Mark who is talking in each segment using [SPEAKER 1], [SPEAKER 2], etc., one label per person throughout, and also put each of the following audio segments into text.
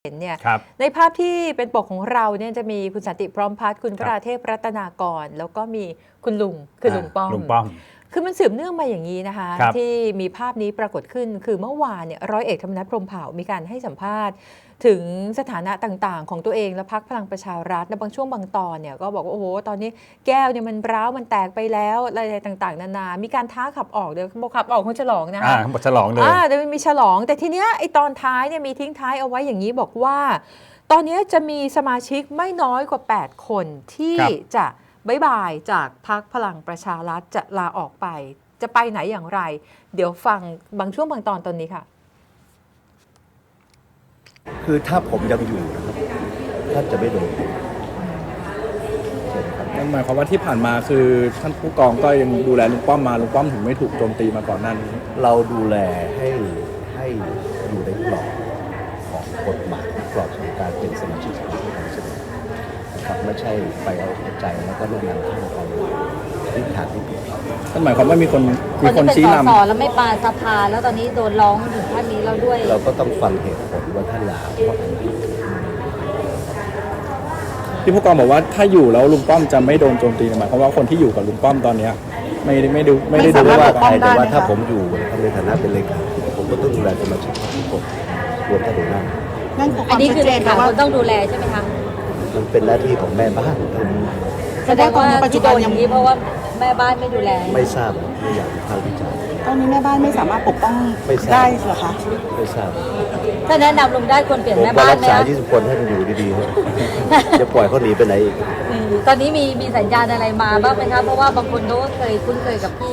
[SPEAKER 1] เนี่ยในภาพที่เป็นปกของเราเนี่ยจะมีคุณสันติพร้อมพัฒน์คุณพระราเทพรัตนากรแล้วก็มีคุณลุงคือลุงป้อมคือมันสืบเนื่องมาอย่างนี้นะคะที่มีภาพนี้ปรากฏขึ้นคือเมื่อวานเนี่ยร้อยเอกธรรมนัฐพรหมเผ่ามีการให้สัมภาษณ์ถึงสถานะต่างๆของตัวเองและพรรคพลังประชารัฐในบางช่วงบางตอนเนี่ยก็บอกว่าโอ้โหตอนนี้แก้วเนี่ยมันร้าวมันแตกไปแล้วอะไรต่างๆนานามีการท้าขับออกเดี๋ยวบอกขับออกคงฉลองนะคะ
[SPEAKER 2] บอกฉลองเลย
[SPEAKER 1] เดี๋ยวมีฉลองแต่ทีเนี้ยไอตอนท้ายเนี่ยมีทิ้งท้ายเอาไว้อย่างนี้บอกว่าตอนนี้จะมีสมาชิกไม่น้อยกว่า8คนที่จะบ๊ายบายจากพรรคพลังประชารัฐจะลาออกไปจะไปไหนอย่างไรเดี๋ยวฟังบางช่วงบางตอนนี้ค่ะ
[SPEAKER 3] คือถ้าผมยังอยู่นะครับท่านจะไม่โดน
[SPEAKER 4] นั่นหมายความว่าที่ผ่านมาคือท่านผู้กองก็ยังดูแลลุงป้อมมาลุงป้อมถึงไม่ถูกโจมตีมาก่อนหน้านี้
[SPEAKER 3] เราดูแลให้อยู่ในกรอบของกฎหมายกรอบของการเป็นสมาชิกสภาผู้แทนราษฎรนะครับไม่ใช่ไปเอาใจแล้วก็แนะนำให้ไปทิศทางที่ผิด
[SPEAKER 4] นั่นหมายความว่ามีคนชี้นำ
[SPEAKER 5] แล้วไม่ปาสภาแล้วตอนนี้โดนร้องถึงท่านนี้เราด้วย
[SPEAKER 3] เราก็ต้องฟังเหตุผลว่าท่านลาเพราะอะไร
[SPEAKER 4] ที่ผู้กองบอกว่าถ้าอยู่แล้วลุงป้อมจะไม่โดนโจมตีหมายความว่าคนที่อยู่กับลุงป้อมตอนนี้ไม่ได้ดู
[SPEAKER 3] ว่าใครแต่ว่าถ้าผมอยู่ในฐานะเป็นเลขาผมก็ต้องดูแลสมาชิกทุกคนรวมทั้งหัวหน้า
[SPEAKER 5] อันนี้คือเลขาคนต้องดูแลใช่ไหมคะ
[SPEAKER 3] มันเป็นหน้าที่ของแม่บ้าน
[SPEAKER 5] แสดงว่าปัจจุบันอย่างนี้เพราะว่าแม่บ้านไม่ดูแล
[SPEAKER 3] ไม่ทราบไม่อยากวิพากษ์วิจารณ์
[SPEAKER 6] ตอนนี้แม่บ้านไม่สามารถปกป้องได้เหรอคะ
[SPEAKER 3] ไม่ทราบ
[SPEAKER 5] ถ้าแนะนำลุงได้ควรเปลี่ยนแม่บ้านไหม
[SPEAKER 3] รักษา20 คนให้มันอยู่ดีๆจะปล่อยเขาหนีไปไหนอีก
[SPEAKER 5] ตอนนี้มีสัญญาณอะไรมาบ้างไหมคะเพราะว่าบางคนเขาก็เคยคุ้นเคยกับพี่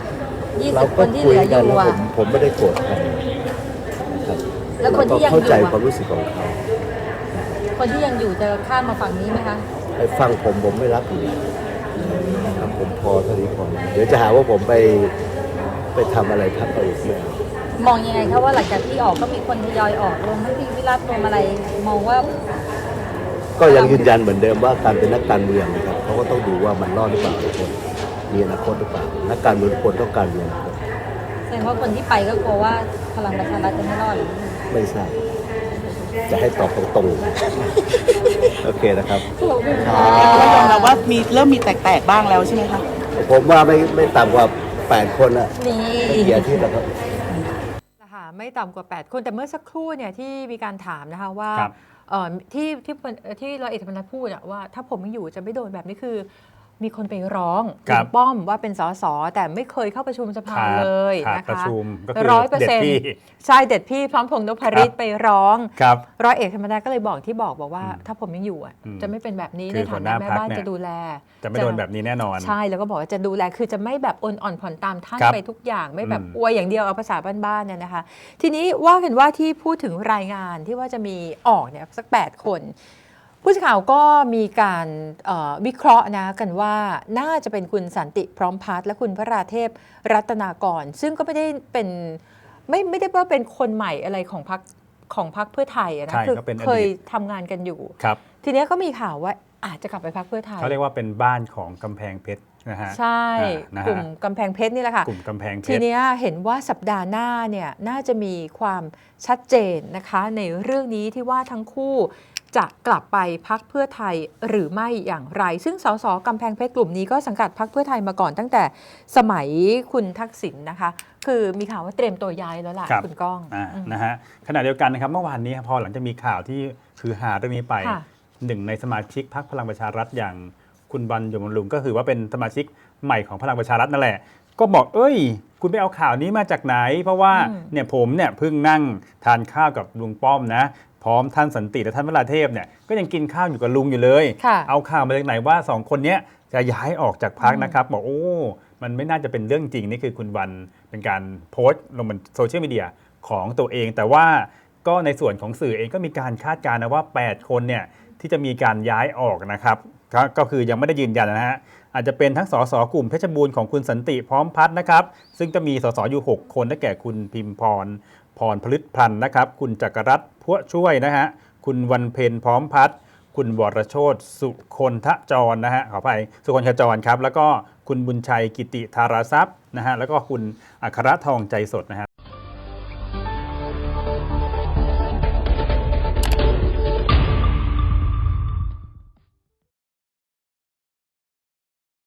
[SPEAKER 5] 20 คนที่เหลืออยู่อ่ะ
[SPEAKER 3] ผมไม่ได้โกรธใครนะครับแล้วคนที่ยังอยู่เข้าใจความรู้สึกของเขา
[SPEAKER 5] คนที่ยังอยู่จะข้ามมาฝั่งนี้ไหมคะ
[SPEAKER 3] ไอ้ฟังผมไม่รับอยู่นะครับผมพอเท่านี้พอเดี๋ยวจะหาว่าผมไปทำอะไรทับเอาอีกไหม
[SPEAKER 5] มองยังไงคะว่าหลังจากที่ออกก็มีคนทยอยออกรวมทั้งพี่วิรัตรวมอะไรมองว่า
[SPEAKER 3] ก็ยังยืนยันเหมือนเดิมว่าการเป็นนักการเมืองนะครับเขาก็ต้องดูว่ามันรอดหรือเปล่าทุกคนมีอนาคตหรือเปล่านักการเมืองทุกคนต้องการเมือง
[SPEAKER 5] แสดงว่าคนที่ไปก็กลัวว่าพลังประชารัฐจะไม่รอดหรือ
[SPEAKER 3] ไม่ทราบจะให้ตอบตรงๆโอเคนะครับ
[SPEAKER 6] ก็ยอมรับว่าเริ่มมีแตกๆบ้างแล้วใช่ไหมคะ
[SPEAKER 3] ผมว่าไม่ต่ำกว่า8 คนอะไม่กี่อาทิตย์แล้วครับ
[SPEAKER 1] ไม่ต่ำกว่า8 คนแต่เมื่อสักครู่เนี่ยที่มีการถามนะคะว่าที่ร้อยเอกธรรมนัฐพูดว่าถ้าผมไม่อยู่จะไม่โดนแบบนี้คือมีคนไปร้องลุงป้อมว่าเป็นสสแต่ไม่เคยเข้าประชุมสภาเลยนะคะ100%ใช่เด็ดพี่พร้อมพงษ์นพฤทธิ์ไปร้องร้อยเอกธรรมนัฐก็เลยบอกว่าถ้าผมยังอยู่จะไม่เป็นแบบนี้ในฐานะแม่บ้านจะดูแล
[SPEAKER 2] จะไม่โดนแบบนี้แน่นอน
[SPEAKER 1] ใช่แล้วก็บอกว่าจะดูแลคือจะไม่แบบอ่อนผ่อนตามท่านไปทุกอย่างไม่แบบอวยอย่างเดียวเอาภาษาบ้านๆเนี่ยนะคะทีนี้ว่ากันว่าที่พูดถึงรายงานที่ว่าจะมีออกเนี่ยสัก8 คนผู้สื่อข่าวก็มีการวิเคราะห์นะกันว่าน่าจะเป็นคุณสันติพร้อมพัฒน์และคุณพระราเทพรัตนากรซึ่งก็ไม่ได้เป็นไม่ได้ว่าเป็นคนใหม่อะไรของพรรคเพื่อไทยนะคือเคยทำงานกันอยู่ทีนี้ก็มีข่าวว่าอาจจะกลับไปพรรคเพื่อไทย
[SPEAKER 2] เขาเรียกว่าเป็นบ้านของกำแพงเพชรนะฮะ
[SPEAKER 1] ใช่กลุ่มกำแพงเพชรนี่แหละค่ะ
[SPEAKER 2] กลุ่มกำแพงเพชร
[SPEAKER 1] ทีนี้เห็นว่าสัปดาห์หน้าเนี่ยน่าจะมีความชัดเจนนะคะในเรื่องนี้ที่ว่าทั้งคู่จะกลับไปพรรคเพื่อไทยหรือไม่อย่างไรซึ่งสสกำแพงเพชรกลุ่มนี้ก็สังกัดพรรคเพื่อไทยมาก่อนตั้งแต่สมัยคุณทักษิณนะคะคือมีข่าวว่าเตรียมตัวย้ายแล้วล่ะคุณก้อง
[SPEAKER 2] นะฮะขณะเดียวกันนะครับเมื่อวานนี้พอหลังจากมีข่าวที่คือหาเรื่องนี้ไปหนึ่งในสมาชิกพรรคพลังประชารัฐอย่างคุณบรรยมลุงก็คือว่าเป็นสมาชิกใหม่ของพลังประชารัฐนั่นแหละก็บอกคุณไปเอาข่าวนี้มาจากไหนเพราะว่าเนี่ยผมเนี่ยเพิ่งนั่งทานข้าวกับลุงป้อมนะพร้อมท่านสันติและท่านพระราเทพเนี่ยก็ยังกินข้าวอยู่กับลุงอยู่เลยเอาข่าวมาจากไหนว่า2 คนนี้จะย้ายออกจากพรรคนะครับบอกมันไม่น่าจะเป็นเรื่องจริงนี่คือคุณวันเป็นการโพสต์ลงบนโซเชียลมีเดียของตัวเองแต่ว่าก็ในส่วนของสื่อเองก็มีการคาดการณ์นะว่า8 คนเนี่ยที่จะมีการย้ายออกนะครับก็คือยังไม่ได้ยืนยันนะฮะอาจจะเป็นทั้งสสกลุ่มเพชรบูรณ์ของคุณสันติพร้อมพัฒน์นะครับซึ่งจะมีสสอยู่6 คนได้แก่คุณพิมพรพฤษพันธ์นะครับคุณจักรรัตน์พัวช่วยนะฮะคุณวันเพ็ญพร้อมพัฒน์คุณวรโชติสุคนทจรนะฮะขออภัยสุคนทจรครับแล้วก็คุณบุญชัยกิติธาราทรัพย์นะฮะแล้วก็คุณอัครทองใจสดนะฮะ